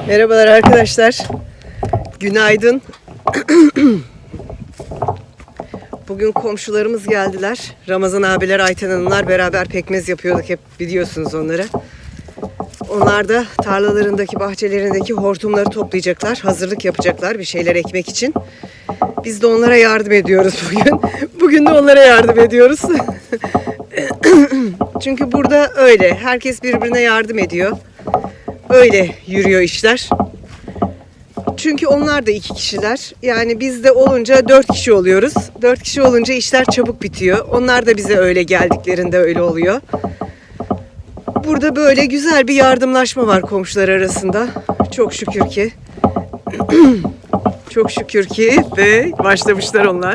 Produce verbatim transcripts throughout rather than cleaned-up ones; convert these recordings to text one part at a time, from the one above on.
Merhabalar arkadaşlar. Günaydın. Bugün komşularımız geldiler. Ramazan abiler, Ayten Hanımlar beraber pekmez yapıyorduk. Hep biliyorsunuz onları. Onlar da tarlalarındaki, bahçelerindeki hortumları toplayacaklar. Hazırlık yapacaklar bir şeyler ekmek için. Biz de onlara yardım ediyoruz bugün. Bugün de onlara yardım ediyoruz. Çünkü burada öyle. Herkes birbirine yardım ediyor. Öyle yürüyor işler. Çünkü onlar da iki kişiler. Yani biz de olunca dört kişi oluyoruz. Dört kişi olunca işler çabuk bitiyor. Onlar da bize öyle geldiklerinde öyle oluyor. Burada böyle güzel bir yardımlaşma var komşular arasında. Çok şükür ki. Çok şükür ki ve başlamışlar onlar.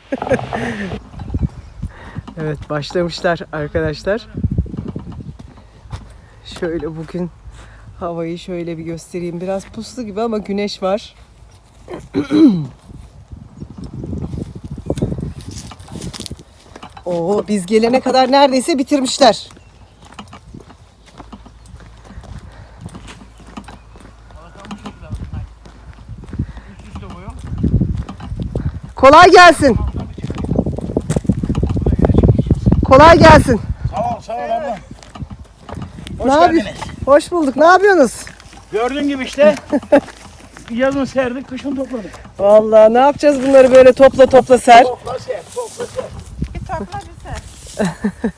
Evet, başlamışlar arkadaşlar. Şöyle bugün havayı şöyle bir göstereyim. Biraz puslu gibi ama güneş var. Oo, biz gelene kadar neredeyse bitirmişler. Kolay gelsin. Kolay gelsin. Sağ ol, sağ ol abla. Hoş Ne yapıyorsun? geldiniz. Hoş bulduk. Ne yapıyorsunuz? Gördüğün gibi işte yazın serdik, kışın topladık. Vallahi ne yapacağız bunları böyle topla topla ser. Topla ser, topla ser. Bir topla bir ser.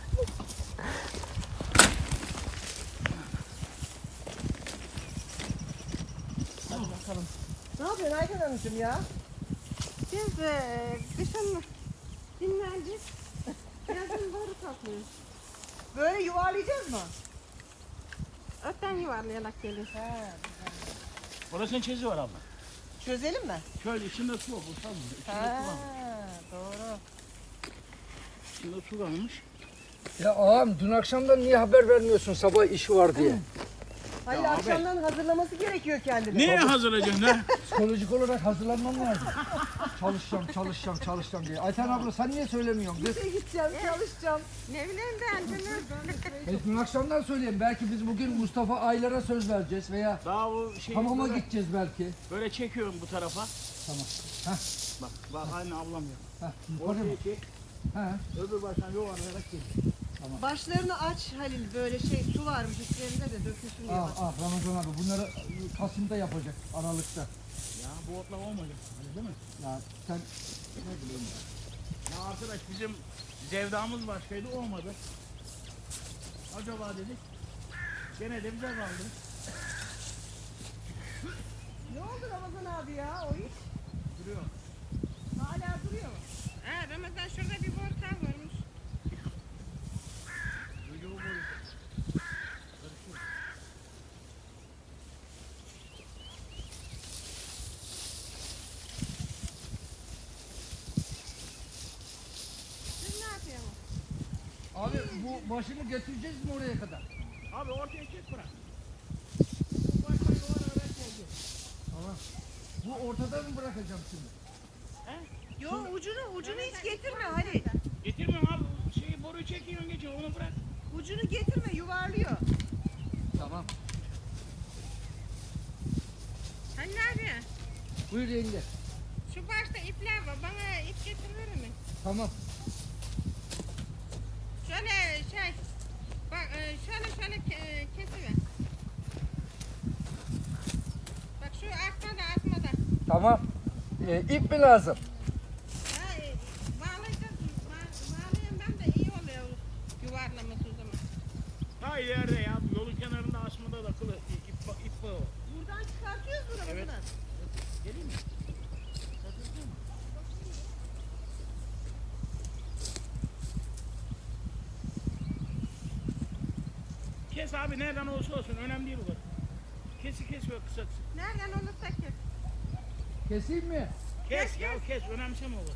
Ne yapıyorsun Ayten Hanımcığım ya? Biz e, kışın dinlendik. Yazın boru topluyoruz. Böyle yuvarlayacağız mı? Ötten yuvarlayarak gelir. Burasının çizi var abla. Çözelim mi? Şöyle içinde su var, bu sanmıyor. İçinde Ha, su var. doğru. İçinde su varmış. Ya ağam dün akşamdan niye haber vermiyorsun sabah işi var diye? Hayır, Ya abi. akşamdan hazırlaması gerekiyor kendine. Neye hazırlayacaksın ha? Psikolojik olarak hazırlanmam lazım. Çalışacağım, çalışacağım, çalışacağım diye. Ayten abla sen niye söylemiyorsun kız? İşe gideceğim, çalışacağım. Ne bileyim ben canım. E, dün akşamdan söyleyeyim. Belki biz bugün Mustafa Aylar'a söz vereceğiz veya Daha bu şey hamama böyle, gideceğiz belki. böyle çekiyorum bu tarafa. Tamam. Heh, Bak, bak aynı ablam ya. heh, yukarı mı? Ortaya çek, He. öbür baştan yuvarlayarak gel. Başlarını aç Halil, böyle şey su varmış içlerinde de dökülsün diye. Ah ah Ramazan abi bunları Kasım'da yapacak, Aralık'ta. Ya bu otla olmayacak, öyle değil mi? Ya sen Ne bileyim ya. Ya arkadaş bizim zevdamız başkaydı, olmadı. Acaba dedik, gene de bize kaldı. Ne oldu Ramazan abi ya o iş? Duruyor. Hala duruyor mu? Ha, Ramazan şurada bir boru daha varmış. Ucu bu boyu. Karışıyor. Siz ne yapıyorsunuz? abi bu başını getireceğiz mi oraya kadar? Abi ortaya çek bırak. Bu baştan yuvarlayarak geldi. Tamam. Bu ortada mı bırakacağım şimdi? Yo, ucunu ucunu hiç getirme Halil. Getirmem abi. Şeyi boruyu çekiyorsun geçiyor onu bırak. Ucunu getirme, yuvarlıyor. Tamam. Sen ne yapıyorsun? Buyur yenge. Şu başta ipler var. Bana ip getirir mi? Tamam. Şöyle şey. Bak e, şöyle şöyle ke- kesiver. Bak şu arkada atmada. Tamam. Ee, ip mi lazım? Ha, e, bağlayacağız. Ba- bağlayan ben de iyi oluyor yuvarlaması o zaman. Ha ileride ya. Yolun kenarında asmada da kılı ip, ip, ip bağı var. Buradan çıkartıyoruz mu Ramazan Evet. abi? Geleyim mi? Kes abi nereden olursa olsun önemli değil bu kadar. Kesi kes ve kısa kısa. Nereden olursa kes. Keseyim mi? Kes ya kes önemseme olur.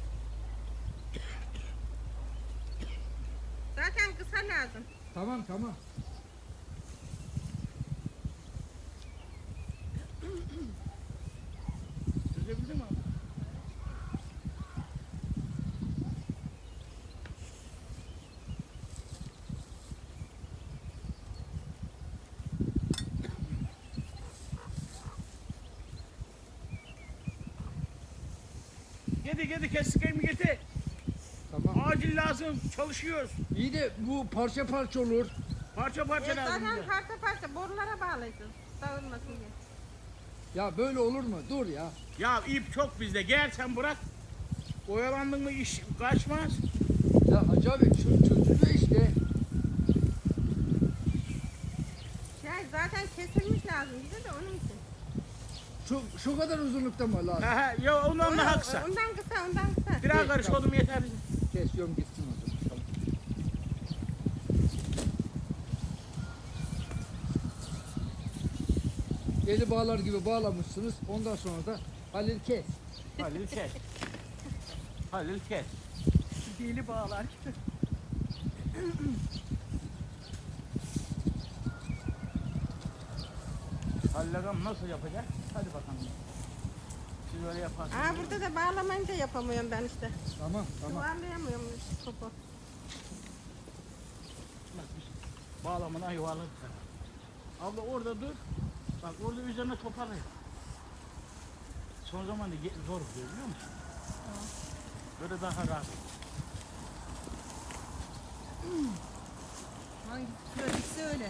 Zaten kısa lazım. Tamam tamam. Çözebildin mi abi? Getir getir kestiklerimi getir. Tamam. Acil lazım. Çalışıyoruz. İyi de bu parça parça olur. Parça parça E, lazım zaten bize. parça parça borulara bağlayacağız. Dağılmasın diye. Ya böyle olur mu? Dur ya. Ya ip çok bizde. Gel sen bırak. Oyalandın mı iş kaçmaz. Ya Hacı abi çö- çözülüyor işte. Şey zaten kesilmiş lazım bize de onun için. Şu, şu kadar uzunlukta mı lazım? Ha, ha, ya ondan daha kısa. Ondan kısa ondan kısa. Biraz karış oğlum yeter bize. Kesiyorum gitsin o zaman. Tamam. Eli bağlar gibi bağlamışsınız. Ondan sonra da Halil kes. Halil kes. Halil kes. Dili bağlar gibi. Halil ağam nasıl yapacak? Hadi bakalım. Siz öyle yaparsınız. Aa burada da bağlamayınca yapamıyorum ben işte. Tamam tamam. Yuvarlayamıyorum topu. Bak biz bağlamadan yuvarladık. Abla orada dur. Bak orada üzerine toparlayın. Son zamanda ge- zor oluyor biliyor musun? Böyle daha rahat. Hangisi pratikse öyle.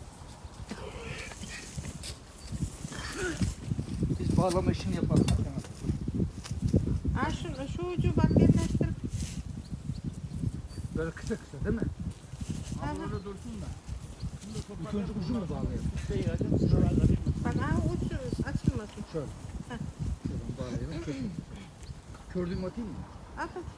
Biz bağlama işini yapalım. Tamam. Aa şu, şu ucu bak birleştirip. Böyle kısa kısa değil mi? Abla Aha. orada dursun da. Bunu da İlk toparlayalım. önce ucu mu bağlayalım? Şey hadi sıralar karışmasın. Bak aa ucu açılmasın. Şöyle. Heh. Şuradan bağlayalım. Kötü. Kördüğümü atayım mı? At at.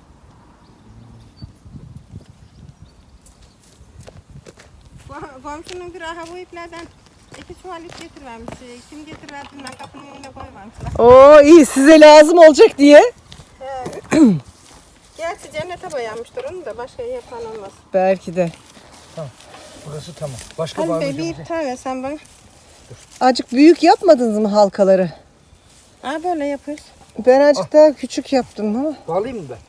Ko- Komşunun bir aha bu iplerden iki çuval ip getirmemiş. Ee, Kim getirverdi ben kapının önüne koymamışlar. Oo iyi size lazım olacak diye. He. Gerçi cennete boyanmıştır onu da başka yapan olmaz. Belki de. Burası tamam. Başka Hadi be bağlayacağım. bir ip tane sen bana. Azıcık büyük yapmadınız mı halkaları? Aa böyle yapıyoruz. Ben azıcık daha küçük yaptım ama. Bağlayayım mı ben?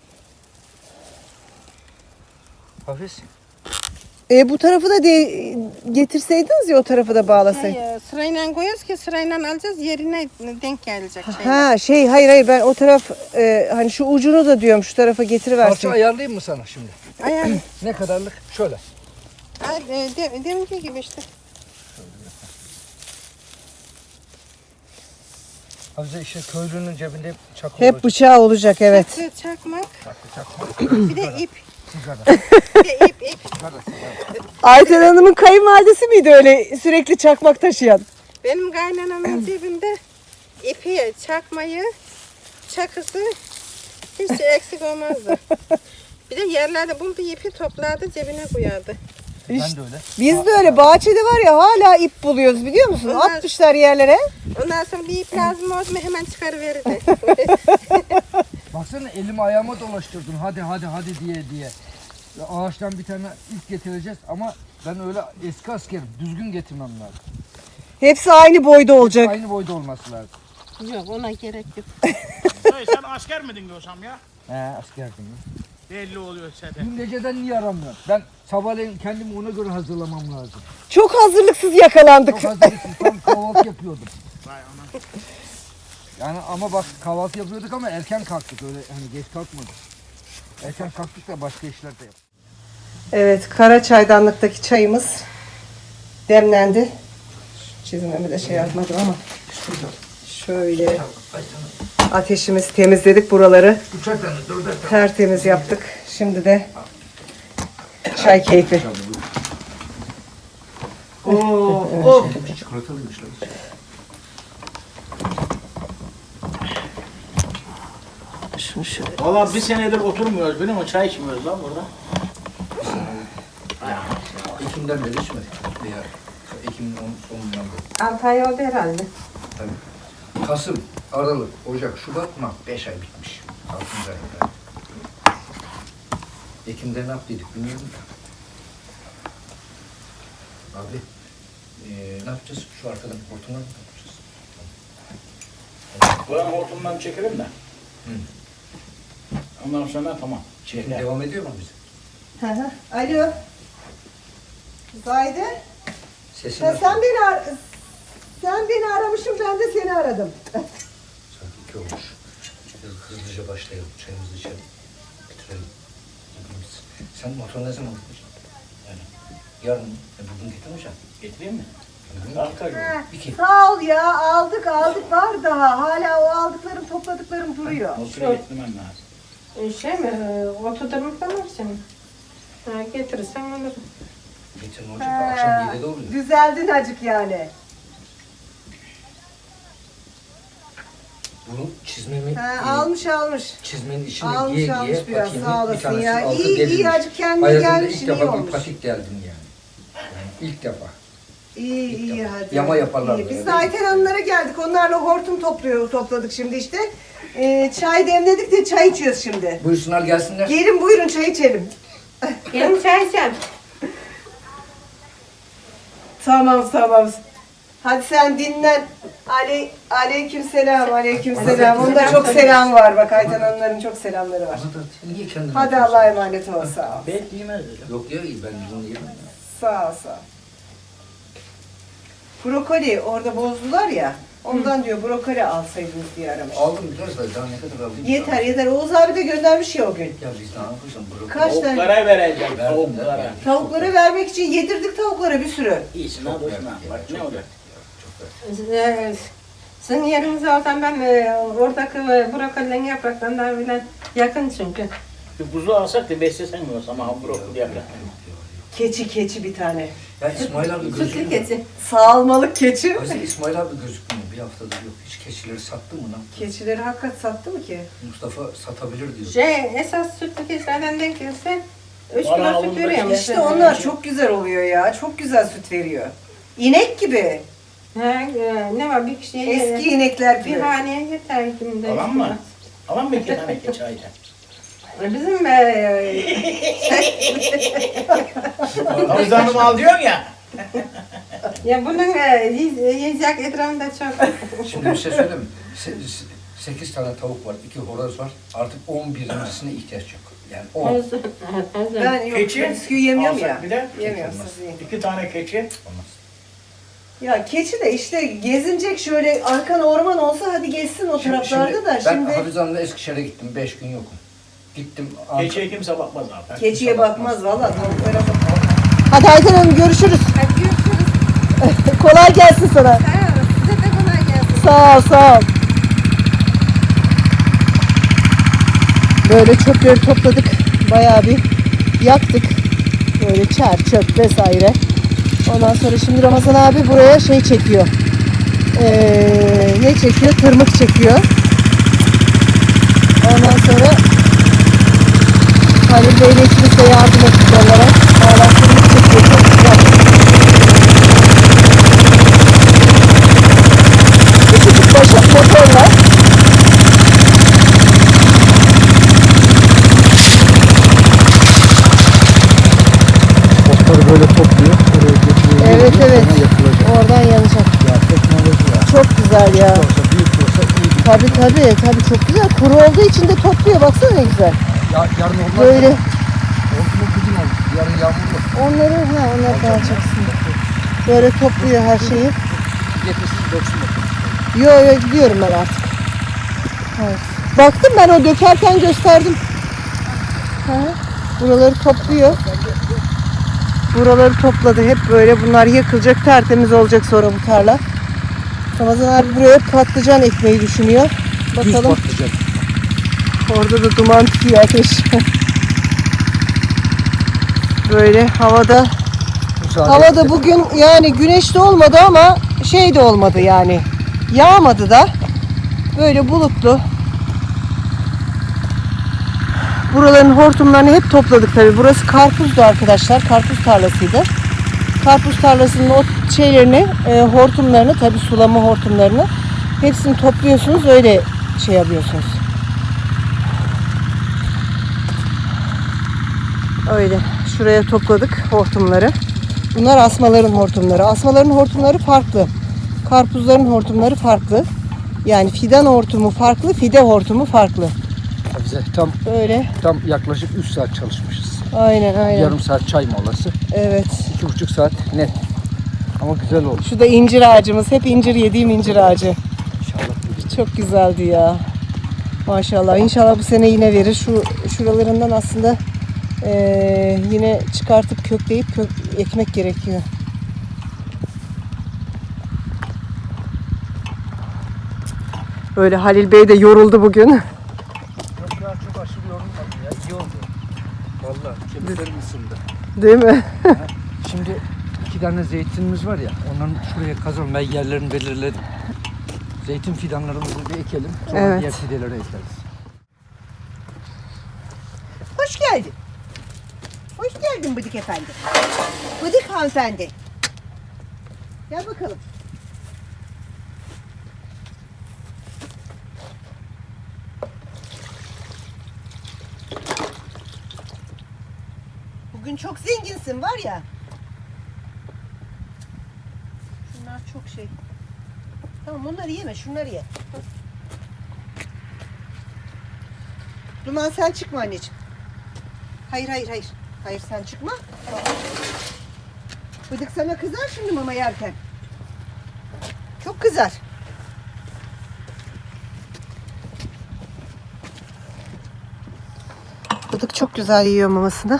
Hafiz. E bu tarafı da de getirseydiniz ya o tarafı da bağlasaydınız. Hayır, sırayla koyuyoruz ki sırayla alacağız yerine denk gelecek şeyler. Ha şey hayır hayır ben o taraf e, hani şu ucunu da diyorum şu tarafa Parça getiriversin. ayarlayayım mı sana şimdi? Ayar. Ne kadarlık? Şöyle. Ay, e, de, deminki gibi işte. Hafize işte köylünün cebinde hep çakıl Hep olacak. bıçağı olacak evet. Çakı, çakmak, Çakıl çakıl. bir de ip. Sigara. Bir de ip ip. Sigara sigara. Ayten Hanım'ın kayınvalidesi miydi öyle sürekli çakmak taşıyan? Benim kaynanamın cebinde ipi, çakmayı, çakısı hiç eksik olmazdı. Bir de yerlerde bulduğu ipi toplardı cebine koyardı. Ben de öyle. Biz de öyle bahçede var ya hala ip buluyoruz biliyor musun? Onlar- Atmışlar yerlere. Ondan sonra bir ip lazım oldu mu hemen çıkarıverirdi. Baksana elimi ayağıma dolaştırdın. Hadi hadi hadi diye diye. Ya ağaçtan bir tane ip getireceğiz ama ben öyle eski askerim. Düzgün getirmem lazım. Hepsi aynı boyda olacak. Aynı boyda olması lazım. Yok ona gerek yok. Dayı sen asker miydin diyorsam ya? He askerdim. ya. Belli oluyor zaten. Dün geceden niye aramıyorum? Ben sabahleyin kendimi ona göre hazırlamam lazım. Çok hazırlıksız yakalandık. Çok hazırlıksız tam kahvaltı yapıyordum. Vay ana. Yani ama bak kahvaltı yapıyorduk ama erken kalktık öyle hani geç kalkmadık. Erken kalktık da başka işler de yaptık. Evet kara çaydanlıktaki çayımız demlendi. Çizmemi de şey yapmadım ama. Şöyle ateşimizi temizledik buraları. Üçer tane, dörder tane. Tertemiz yaptık. Şimdi de çay keyfi. Oo, oh. Çikolatalıymış lan. Şunu şöyle. Valla bir senedir oturmuyoruz biliyor musun? Çay içmiyoruz lan burada. Ekim'den beri içmedik. Ya, Ekim'in sonundan beri. Altı ay oldu herhalde. Tabii. Kasım, Aralık, Ocak, Şubat, Mart. Beş ay bitmiş. Altıncı ayda. Ekim'de ne yaptıydık bilmiyorum da. Abi, eee ne yapacağız? Şu arkadan hortumdan mı yapacağız? Buranın hortumdan çekelim de. Hı. Ondan sonra tamam. Çekim Çeker. devam ediyor mu bize? Hı hı. Alo. Zahide. Sesini Ya sen beni ar sen beni aramışsın ben de seni aradım. Saat iki olmuş. Biraz hızlıca başlayalım. Çayımızı içelim. Bitirelim. Gidimiz. Sen motor ne zaman gideceksin? Yani yarın mı? E, bugün getirmeyeceksin. Getireyim mi? Bugün Kalkar mı? İki. Sağ ol ya, aldık aldık var daha. Hala o aldıklarım topladıklarım duruyor. Motoru getirmem lazım. E, Şey mi? e, Oturdurmak var senin. Ha, getirirsen alırım. Geçen olacak da akşam yedide oluyor. Düzeldin acık yani. Bunu çizmemi Ha, e, almış almış. çizmenin içine Almış, giye almış giye biraz, patiğimin sağ bir olasın tanesi ya. altı İyi, iyi, delilmiş. azıcık kendine Hayatımda gelmişsin, ilk iyi defa bir olmuş. patik deldim yani. Yani ilk defa. İyi iyi hadi. Yama yaparlar İyi. Biz böyle. de Ayten Hanımlara geldik. Onlarla hortum topluyor, topladık şimdi işte. Ee, çay demledik de çay içiyoruz şimdi. Buyursunlar gelsinler. Gelin buyurun çay içelim. Benim çay içeceğim. Tamam tamam. Hadi sen dinlen. Ale, aleyküm selam, aleyküm selam. Onda çok selam var bak. Ayten Hanımların çok selamları var. Ama da sen niye kendin Hadi yapıyorsun? Allah'a emanet ol. Sağ ol. Belki yemez hocam. Yok ya ben bunu yemem ya. Sağ ol, sağ ol. Brokoli orada bozdular ya. Ondan diyor brokoli alsaydınız diye aramış. Aldım biraz da daha ne kadar aldım? Yeter yeter. Oğuz abi de göndermiş ya o gün. Ya biz ne yapıyorsun? Brokoli. Kaç tane? Tavuklara vereceğim. Verdim, Tavuklara. verdim. Tavuklara vermek için yedirdik tavuklara bir sürü. İyisin Çok ha dostum. verdim ha. ya, Bak çok ne olacak? verdim ya, çok verdim. E, Sizin yerinize olsam ben e, oradaki e, brokolinin yapraklarından bile yakın çünkü. Bir kuzu alsak da beslesen mi olsa ama brokoli yaprak. Keçi keçi bir tane. Ya İsmail abi Sütlü gözükmüyor. keçi. Sağalmalık keçi. Aslında İsmail abi gözükmüyor. Bir haftadır yok. Hiç keçileri sattı mı lan? Keçileri hakikat sattı mı ki? Mustafa satabilir diyor. Şey esas sütlü keçilerden denk gelse üç Bana kilo süt alın veriyor be. İşte mesela. onlar çok güzel oluyor ya. Çok güzel süt veriyor. İnek gibi. Ha, e, ne var bir kişiye Eski inekler bir gibi. haneye yeter günde. Alan mı? Alan mı iki tane keçi ayda? Bizim e, Havuzlarımı al diyorsun ya. ya bunun e, yiy- yiyecek etrafında çok. Şimdi bir şey söyleyeyim mi? Se- se- Sekiz tane tavuk var, iki horoz var. Artık on birincisine ihtiyaç yok. Yani on. Özür- özür. Ben yok Keçi bisküvi yemiyorum ya. alsak bir de Yemiyorum olmaz. siz yiyin. iki tane keçi. Olmaz. Ya keçi de işte gezinecek şöyle arkan orman olsa hadi gezsin o Şimdi- taraflarda şimdi da Ben şimdi Hafize Hanım'la Eskişehir'e gittim, beş gün yokum. Gittim. Ank- Keçiye kimse bakmaz abi. keçiye bakmaz valla tavuklara bakmaz. Hadi Ayten Hanım görüşürüz. Hadi görüşürüz. Kolay gelsin sana. Sağ olun. Size de kolay gelsin. Sağ ol sağ ol. Böyle çöpleri topladık. Bayağı bir yaktık. Böyle çer, çöp vesaire. Ondan sonra şimdi Ramazan abi buraya şey çekiyor. Ee, ne çekiyor? Tırmık çekiyor. Ondan sonra Halil Bey'le ikimiz de yardım ettik onlara. Valla tırmık çekiyor. Çok güzel. Küçücük başak motorla. Otları böyle topluyor, oraya getiriyor. Evet geliyor, evet. sonra yapılacak. Oradan yanacak. Ya teknoloji ya. Çok güzel ya. Olsa büyük olsa iyi bir. Tabii tabii tabii çok güzel. Kuru olduğu için de topluyor. Baksana ne güzel. Ya, yarın olmaz. Böyle Olsun kızım olur. Yarın yağmurlu. onları ha onlar dağıtacaksın. Böyle topluyor her şeyi. Getirsin döksün bakalım. Yo yo gidiyorum ben artık. Evet. Baktım ben o dökerken gösterdim. Ha, buraları topluyor. Buraları topladı hep böyle. Bunlar yakılacak, tertemiz olacak sonra bu tarla. Ramazan abi buraya patlıcan ekmeği düşünüyor. Düz Bakalım. patlıcan. Orada da duman tutuyor ateş. Böyle havada Müsaade havada edin. bugün yani güneş de olmadı ama şey de olmadı yani. Yağmadı da. Böyle bulutlu. Buraların hortumlarını hep topladık tabii. Burası karpuzdu arkadaşlar. Karpuz tarlasıydı. Karpuz tarlasının o şeylerini, e, hortumlarını tabii sulama hortumlarını hepsini topluyorsunuz. Öyle şey yapıyorsunuz. Öyle. Şuraya topladık hortumları. Bunlar asmaların hortumları. Asmaların hortumları farklı. Karpuzların hortumları farklı. Yani fidan hortumu farklı, fide hortumu farklı. Hafize tam Böyle. tam yaklaşık üç saat çalışmışız. Aynen aynen. Yarım saat çay molası. Evet. iki buçuk saat net. Ama güzel oldu. Şu da incir ağacımız. Hep incir yediğim incir ağacı. İnşallah. Çok güzeldi ya. Maşallah. İnşallah bu sene yine verir. Şu şuralarından aslında eee, yine çıkartıp kökleyip kök, ekmek gerekiyor. Böyle Halil Bey de yoruldu bugün. Yok ya çok aşırı yorulmadım ya. İyi oldu. Vallahi kemiklerim ısındı. Değil mi? Şimdi iki tane zeytinimiz var ya. Onların şuraya kazalım. Ben yerlerini belirledim. Zeytin fidanlarımızı bir ekelim. Sonra Evet. diğer fideleri ekleriz. Hoş geldin. Hoş geldin Bıdık Efendi. Bıdık hanımefendi. Gel bakalım. Bugün çok zenginsin var ya. Şunlar çok şey. Tamam onları yeme, şunları ye. Duman sen çıkma anneciğim. Hayır hayır hayır. Hayır sen çıkma. Bıdık sana kızar şimdi mama yerken. Çok kızar. Bıdık çok güzel yiyor mamasını.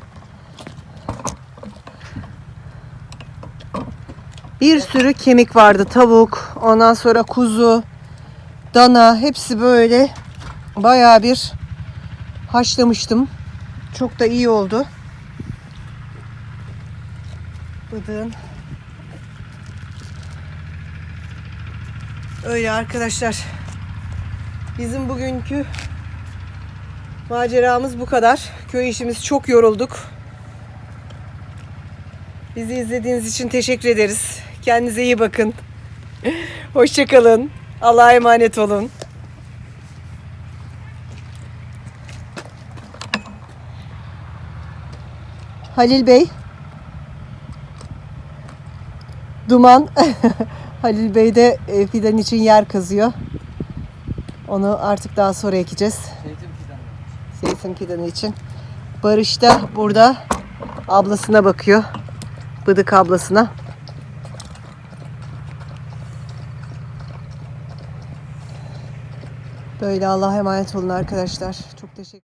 Bir sürü kemik vardı. Tavuk, ondan sonra kuzu, dana hepsi böyle bayağı bir haşlamıştım. Çok da iyi oldu. Bıdığın. Öyle arkadaşlar. Bizim bugünkü maceramız bu kadar. Köy işimiz çok yorulduk. Bizi izlediğiniz için teşekkür ederiz. Kendinize iyi bakın. Hoşça kalın. Allah'a emanet olun. Halil Bey. Duman. Halil Bey de e, fidan için yer kazıyor. Onu artık daha sonra ekeceğiz. Zeytin fidanı. Zeytin fidanı için. Barış da burada ablasına bakıyor. Bıdık ablasına. Böyle Allah'a emanet olun arkadaşlar. Çok teşekkür